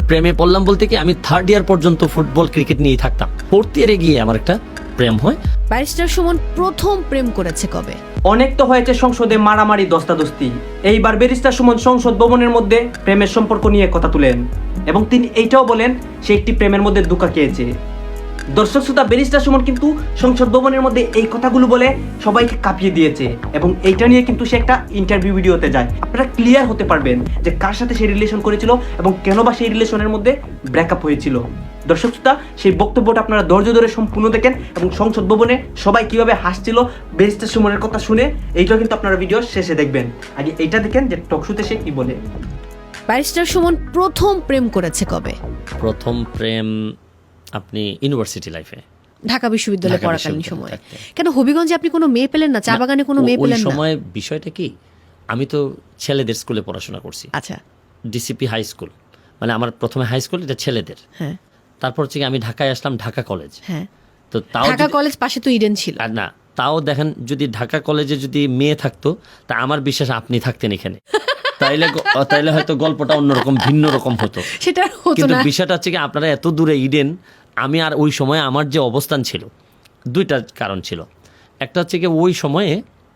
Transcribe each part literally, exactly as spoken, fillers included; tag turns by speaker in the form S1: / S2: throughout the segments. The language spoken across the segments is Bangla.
S1: প্রেমে পড়লাম বলতে কি আমি থার্ড ইয়ার পর্যন্ত ফুটবল ক্রিকেট নিয়েই থাকতাম। ফোর্থ ইয়ারে গিয়ে আমার একটা প্রেম হয়।
S2: ব্যারিস্টার সুমন প্রথম প্রেম করেছে কবে?
S3: অনেক তো হয়েছে সংসদে মারামারি দস্তাদস্তি, এইবার ব্যারিস্টার সুমন সংসদ ভবনের মধ্যে প্রেমের সম্পর্ক নিয়ে কথা তুলেন এবং তিনি এইটাও বলেন সে একটি প্রেমের মধ্যে ধোঁকা খেয়েছে। দর্শক শ্রোতা, ব্যারিস্টার সুমন কিন্তু সংসদ ভবনের মধ্যে এই কথাগুলো বলে সবাইকে কাঁপিয়ে দিয়েছে এবং এইটা নিয়ে কিন্তু সে একটা ইন্টারভিউ ভিডিওতে যায়। আপনারা ক্লিয়ার হতে পারবেন যে কার সাথে সে রিলেশন করেছিল এবং কেন বা সেই রিলেশনের মধ্যে ব্রেকআপ হয়েছিল। দর্শক শ্রোতা, সেই বক্তব্যটা আপনারা ধৈর্য ধরে সম্পূর্ণ দেখেন এবং সংসদ ভবনে সবাই কিভাবে হাসছিল ব্যারিস্টার সুমনের কথা শুনে, এইটাও কিন্তু আপনারা ভিডিও শেষে দেখবেন। আগে এইটা দেখেন যে টকশোতে সে কি বলে।
S2: ব্যারিস্টার সুমন প্রথম প্রেম করেছে কবে?
S1: প্রথম প্রেম আপনি ইউনিভার্সিটি লাইফে,
S2: ঢাকা বিশ্ববিদ্যালয়ে
S1: ঢাকা
S2: পড়াকালীন
S1: বিশ্ববিদ্যালয়ে
S2: সময়।
S1: থাকতে।
S2: কেন হবিগঞ্জে আপনি কোনো মেয়ে পেলেন না? চা বাগানে কোনো মেয়ে
S1: ওই
S2: পেলেন না?
S1: সময় বিষয়টা কি, আমি তো ছেলেদের স্কুলে পড়াশোনা করছি,
S2: আচ্ছা,
S1: ডিসিপি হাই স্কুল, মানে আমার প্রথমে হাই স্কুল এটা ছেলেদের।
S2: হ্যাঁ,
S1: তারপর হচ্ছে কি আমি ঢাকায় আসলাম, ঢাকা কলেজ।
S2: হ্যাঁ,
S1: তো তাও
S2: ঢাকা
S1: যদি-
S2: কলেজ পাশে তো ইডেন ছিল।
S1: আর না, তাও দেখেন যদি ঢাকা কলেজে যদি মেয়ে থাকতো তা আমার বিশ্বাস আপনি থাকতেন এখানে, তাইলে গ- তাইলে হয়তো গল্পটা অন্যরকম ভিন্ন রকম হতো।
S2: সেটা হতো
S1: কিন্তু
S2: না।
S1: বিষয়টা হচ্ছে কি আপনারা এত দূরে ইডেন, আমি আর ওই সময় আমার যে অবস্থান ছিল, দুইটা কারণ ছিল। একটা হচ্ছে কি ওই সময়ে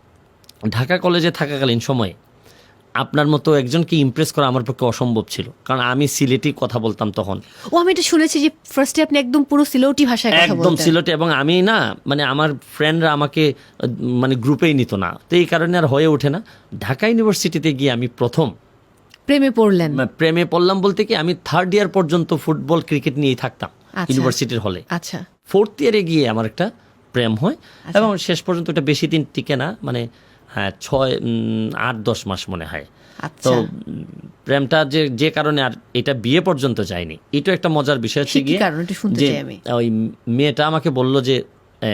S1: ঢাকা কলেজে থাকাকালীন সময়ে আপনার মতো একজনকে ইমপ্রেস করা আমার পক্ষে অসম্ভব ছিল, কারণ আমি সিলেটি কথা বলতাম তখন,
S2: ও আমি এটা শুনেছি যে ফার্স্টে আপনি একদম পুরো সিলেটি ভাষায় কথা
S1: একদম
S2: বলতেন।
S1: সিলেটে, এবং আমি না মানে আমার ফ্রেন্ডরা আমাকে আহ, মানে গ্রুপেই নিত না, তো এই কারণে আর হয়ে ওঠে না। ঢাকা ইউনিভার্সিটিতে গিয়ে আমি প্রথম
S2: প্রেমে পড়লেন?
S1: মানে প্রেমে পড়লাম বলতে কি আমি থার্ড ইয়ার পর্যন্ত ফুটবল ক্রিকেট নিয়েই থাকতাম
S2: আচ্ছা।
S1: ইউনিভার্সিটির হলে।
S2: আচ্ছা,
S1: ফোর্থ ইয়ারে গিয়ে আমার একটা প্রেম হয় এবং শেষ পর্যন্ত এটা বেশি দিন টিকে না, মানে হ্যাঁ ছয় উম, আট দশ মাস মনে হয়। তো
S2: আচ্ছা,
S1: উম, প্রেমটা যে যে কারণে আর এটা বিয়ে পর্যন্ত যায়নি, এটা একটা মজার বিষয় হচ্ছে
S2: সে কি
S1: গিয়ে
S2: কারণ? একটু শুনতে
S1: যে
S2: চাই আমি।
S1: ওই মেয়েটা আমাকে বলল যে এ,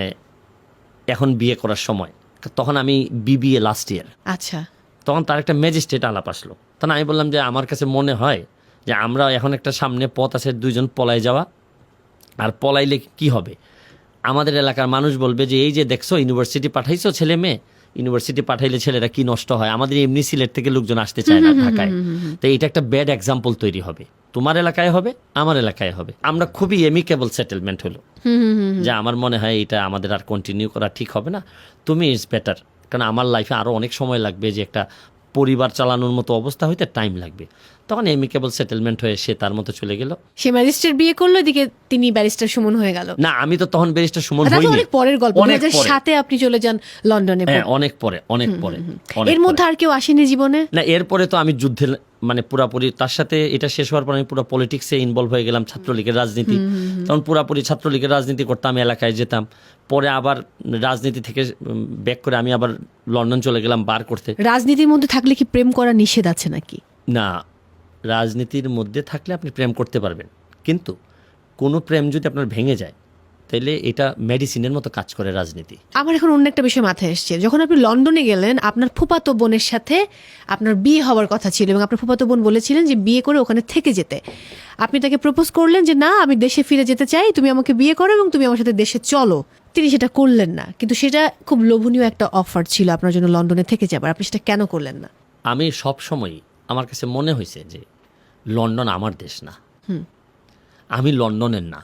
S1: এখন বিয়ে করার সময়, তখন আমি বিবিএ লাস্ট ইয়ার,
S2: আচ্ছা,
S1: তখন তার একটা ম্যাজিস্ট্রেট আলাপ আসলো। তখন আমি বললাম যে আমার কাছে মনে হয় যে আমরা এখন একটা সামনে পথ আছে দুইজন পলাই যাওয়া, আর পলাইলে কি হবে, আমাদের এলাকার মানুষ বলবে যে এই যে দেখছো ইউনিভার্সিটি পাঠাইছো ছেলে মেয়ে, ইউনিভার্সিটি পাঠাইলে ছেলেরা কি নষ্ট হয়, আমাদের এমনি সিলেট থেকে লোকজন আসতে চায় না ঢাকায়, তো এটা একটা ব্যাড এক্সাম্পল তৈরি হবে, তোমার এলাকায় হবে আমার এলাকায় হবে। আমরা খুবই এমিকেবল সেটেলমেন্ট হলো যে আমার মনে হয় এটা আমাদের আর কন্টিনিউ করা ঠিক হবে না, তুমি ইটস বেটার, কারণ আমার লাইফে আরও অনেক সময় লাগবে, যে একটা পরিবার চালানোর মতো অবস্থা হইতে টাইম লাগবে। তখন এমিকেবল সেটেলমেন্ট হয়ে সে তার মতো চলে গেল।
S2: সে ম্যাজিস্ট্রেট বিয়ে করলো, এদিকে তিনি ব্যারিস্টার সুমন হয়ে গেল।
S1: না, আমি তো তখন ব্যারিস্টার সুমন
S2: আচ্ছা,
S1: হইনি,
S2: অনেক পরের গল্প। দুই
S1: অনেক
S2: হাজার
S1: পরে।
S2: সাতে আপনি চলে যান লন্ডনে।
S1: হ্যাঁ, অনেক পরে, অনেক পরে, অনেক
S2: এর মধ্যে
S1: পরে।
S2: আর কেউ আসেনি জীবনে?
S1: না, এরপরে তো আমি যুদ্ধে মানে পুরাপুরি তার সাথে, এটা শেষ হওয়ার পর আমি পুরো পলিটিক্সে ইনভলভ হয়ে গেলাম, ছাত্রলীগের রাজনীতি, তখন পুরাপুরি ছাত্রলীগের রাজনীতি করতাম, এলাকায় যেতাম, পরে আবার রাজনীতি থেকে ব্যাক করে আমি আবার লন্ডন চলে গেলাম বার করতে।
S2: রাজনীতির মধ্যে থাকলে কি প্রেম করা নিষেধ আছে নাকি?
S1: না, রাজনীতির মধ্যে থাকলে আপনি প্রেম করতে পারবেন, কিন্তু কোনো প্রেম যদি আপনার ভেঙে যায় তাহলে এটা মেডিসিনের মতো কাজ করে রাজনীতি।
S2: আমার এখন অন্য একটা বিষয় মাথায় এসছে। যখন আপনি লন্ডনে গেলেন, আপনার ফুফাতো বোনের সাথে আপনার বিয়ে হওয়ার কথা ছিল এবং আপনার ফুফাতো বোন বলেছিলেন যে বিয়ে করে ওখানে থেকে যেতে। আপনি তাকে প্রপোজ করলেন যে না, আমি দেশে ফিরে যেতে চাই, তুমি আমাকে বিয়ে করো এবং তুমি আমার সাথে দেশে চলো। তিনি সেটা করলেন না, কিন্তু সেটা খুব লোভনীয় একটা অফার ছিল আপনার জন্য লন্ডনে থেকে যাবার। আপনি সেটা কেন করলেন না?
S1: আমি সব সময় আমার কাছে মনে হয়েছে যে লন্ডন আমার দেশ না, আমি লন্ডনের না।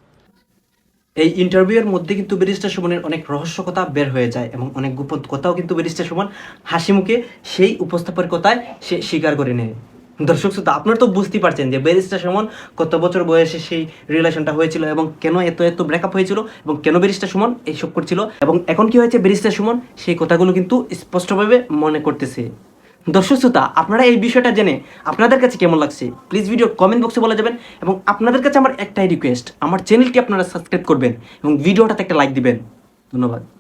S3: এই ইন্টারভিউয়ের মধ্যে কিন্তু ব্যারিস্টার সুমনের অনেক রহস্য কথা বের হয়ে যায় এবং অনেক গোপন কথাও কিন্তু ব্যারিস্টার সুমন হাসি মুখে সেই উপস্থাপনের কথায় সে স্বীকার করে নেয়। দর্শক শ্রোতা, আপনারা তো বুঝতেই পারছেন যে ব্যারিস্টার সুমন কত বছর বয়সে সেই রিলেশনটা হয়েছিল এবং কেন এত এত ব্রেকআপ হয়েছিল এবং কেন ব্যারিস্টার সুমন এইসব করছিল, এবং এখন কি হয়েছে ব্যারিস্টার সুমন সেই কথাগুলো কিন্তু স্পষ্টভাবে মনে করতেছে। দর্শক শ্রোতা, আপনারা এই বিষয়টা জেনে আপনাদের কাছে কেমন লাগছে প্লিজ ভিডিও কমেন্ট বক্সে বলে যাবেন, এবং আপনাদের কাছে আমার একটাই রিকোয়েস্ট, আমার চ্যানেলটি আপনারা সাবস্ক্রাইব করবেন এবং ভিডিওটাতে একটা লাইক দিবেন। ধন্যবাদ।